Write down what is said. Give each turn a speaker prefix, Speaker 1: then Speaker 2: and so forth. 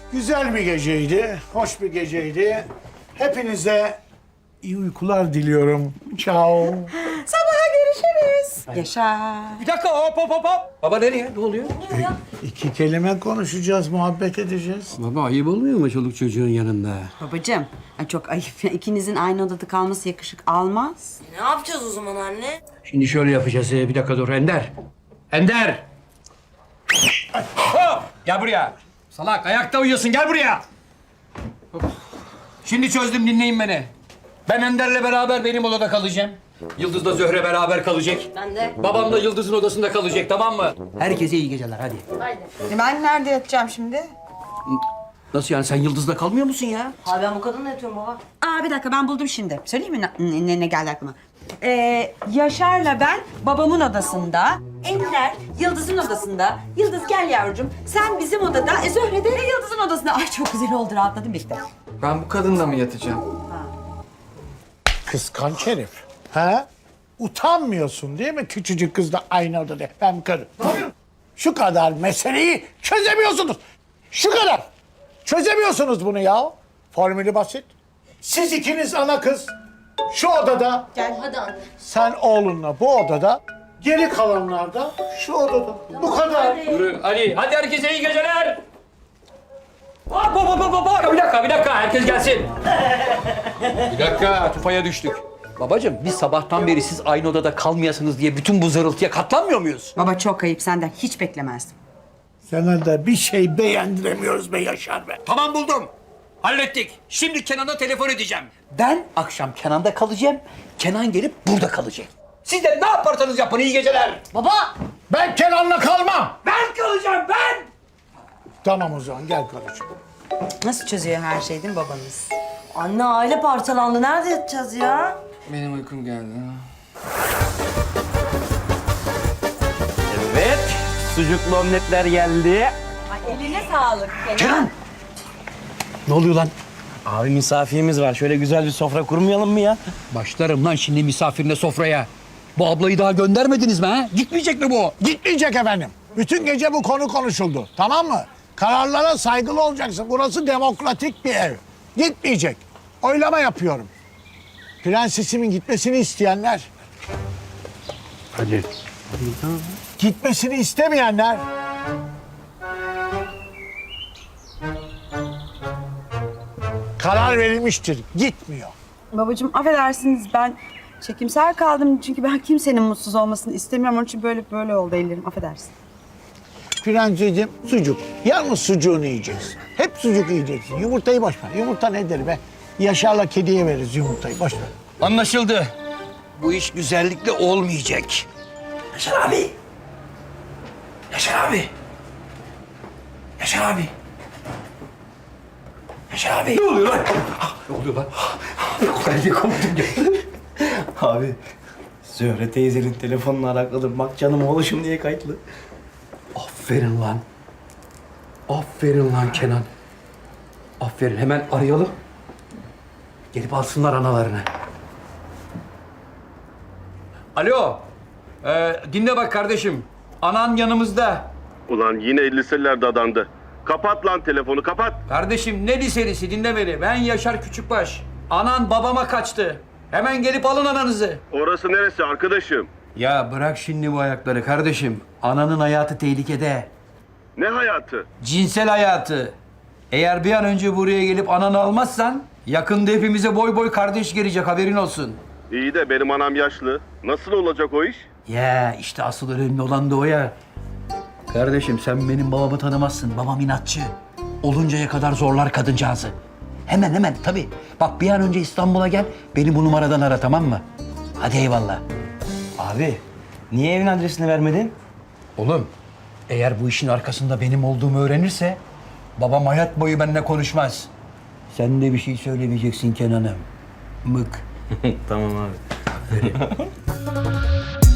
Speaker 1: Güzel bir geceydi, hoş bir geceydi. Hepinize iyi uykular diliyorum. Ciao.
Speaker 2: Sabaha görüşürüz. Yaşa.
Speaker 3: Bir dakika hop. Baba nereye? Ne oluyor?
Speaker 1: İki kelime konuşacağız, muhabbet edeceğiz.
Speaker 3: Baba ayıp olmuyor mu çoluk çocuğun yanında?
Speaker 2: Babacığım, ay çok ayıp. İkinizin aynı odada kalması yakışık almaz.
Speaker 4: Ne yapacağız o zaman anne?
Speaker 3: Şimdi şöyle yapacağız. Bir dakika dur Ender. Ender! Hop! Gel buraya. Salak ayakta uyuyorsun gel buraya. Şimdi çözdüm dinleyin beni. Ben Ender'le beraber benim odada kalacağım. Yıldız'la Zöhre beraber kalacak.
Speaker 4: Ben de.
Speaker 3: Babam da Yıldız'ın odasında kalacak tamam mı? Herkese iyi geceler hadi.
Speaker 2: Ben nerede yatacağım şimdi?
Speaker 3: Nasıl yani sen Yıldız'la kalmıyor musun ya?
Speaker 4: Abi ben bu kadınla yatıyorum baba.
Speaker 2: Aa bir dakika ben buldum şimdi. Söyleyeyim mi ne geldi aklıma? Yaşar'la ben babamın odasında, Ender Yıldız'ın odasında. Yıldız gel yavrucuğum. Sen bizim odada, Zöhre de Yıldız'ın odasında. Ay çok güzel oldu rahatladım bitti.
Speaker 5: Ben bu kadınla mı yatacağım?
Speaker 1: Kıskanç herif. Ha? Utanmıyorsun değil mi küçücük kızla aynı odada? Ben karım. Şu kadar meseleyi çözemiyorsunuz. Şu kadar. Çözemiyorsunuz bunu ya. Formülü basit. Siz ikiniz ana kız şu odada.
Speaker 4: Hadi anne.
Speaker 1: Sen oğlunla bu odada. Geri kalanlar da şu odada. Bu kadar.
Speaker 3: Yürü Ali. Hadi herkese iyi geceler. Hop. Bir dakika. Herkes gelsin. Bir dakika. Tufaya düştük. Babacığım biz sabahtan beri siz aynı odada kalmayasınız diye bütün bu zırıltıya katlanmıyor muyuz?
Speaker 2: Baba çok ayıp senden hiç beklemezdim.
Speaker 1: Sana da bir şey beğendiremiyoruz be Yaşar be.
Speaker 3: Tamam buldum. Hallettik. Şimdi Kenan'a telefon edeceğim. Ben akşam Kenan'da kalacağım. Kenan gelip burada kalacak. Siz de ne yaparsanız yapın iyi geceler.
Speaker 4: Baba!
Speaker 1: Ben Kenan'la kalmam.
Speaker 3: Ben kalacağım ben.
Speaker 1: Tamam o zaman gel karıcığım.
Speaker 2: Nasıl çözüyor her şey değil mi babanız?
Speaker 4: Anne aile parçalandı. Nerede yatacağız ya?
Speaker 5: Benim uykum geldi.
Speaker 6: Evet, sucuklu omletler geldi.
Speaker 2: Ay eline sağlık.
Speaker 3: Kenan. Ne oluyor lan?
Speaker 6: Abi misafirimiz var. Şöyle güzel bir sofra kurmayalım mı ya?
Speaker 3: Başlarım lan şimdi misafirine sofraya. Bu ablayı daha göndermediniz mi ha? Gitmeyecek mi bu?
Speaker 1: Gitmeyecek efendim. Bütün gece bu konu konuşuldu. Tamam mı? Kararlara saygılı olacaksın. Burası demokratik bir ev. Gitmeyecek. Oylama yapıyorum. Prensesimin gitmesini isteyenler.
Speaker 6: Hadi.
Speaker 1: Gitmesini istemeyenler. Karar verilmiştir. Gitmiyor.
Speaker 2: Babacığım affedersiniz ben çekimser kaldım çünkü ben kimsenin mutsuz olmasını istemiyorum. Onun için böyle oldu ellerim affedersin.
Speaker 1: Prenseciğim sucuk. Yalnız sucuğunu yiyeceksin. Hep sucuk yiyeceksin. Yumurtayı boş ver. Yumurta nedir be? Yaşar'la kediye veririz yumurtayı. Boş ver.
Speaker 3: Anlaşıldı. Bu iş güzellikle olmayacak. Yaşar abi. Yaşar abi. Yaşar abi. Yaşar abi. Ne oluyor lan? Ne oluyor lan? Ben de korktum ya.
Speaker 6: Abi, Zöhre teyzenin telefonunu arakladım. Bak canım oğluşum diye kayıtlı.
Speaker 3: Aferin lan. Aferin lan Kenan. Aferin. Hemen arayalım. Gelip alsınlar analarını. Alo. Dinle bak kardeşim. Anan yanımızda.
Speaker 7: Ulan yine 50'lerde adandı. Kapat lan telefonu kapat.
Speaker 3: Kardeşim ne liselisi dinle beni. Ben Yaşar Küçükbaş. Anan babama kaçtı. Hemen gelip alın ananızı.
Speaker 7: Orası neresi arkadaşım?
Speaker 3: Ya bırak şimdi bu ayakları kardeşim. Ananın hayatı tehlikede.
Speaker 7: Ne hayatı?
Speaker 3: Cinsel hayatı. Eğer bir an önce buraya gelip ananı almazsan yakında hepimize boy boy kardeş gelecek haberin olsun.
Speaker 7: İyi de benim anam yaşlı. Nasıl olacak o iş?
Speaker 3: Ya işte asıl önemli olan da o ya. Kardeşim sen benim babamı tanımazsın. Babam inatçı. Oluncaya kadar zorlar kadıncağızı. Hemen tabii. Bak bir an önce İstanbul'a gel. Beni bu numaradan ara tamam mı? Hadi eyvallah.
Speaker 6: Abi, niye evin adresini vermedin?
Speaker 3: Oğlum eğer bu işin arkasında benim olduğumu öğrenirse babam hayat boyu benimle konuşmaz. Sen de bir şey söylemeyeceksin Kenan'ım. Mık.
Speaker 6: Tamam abi.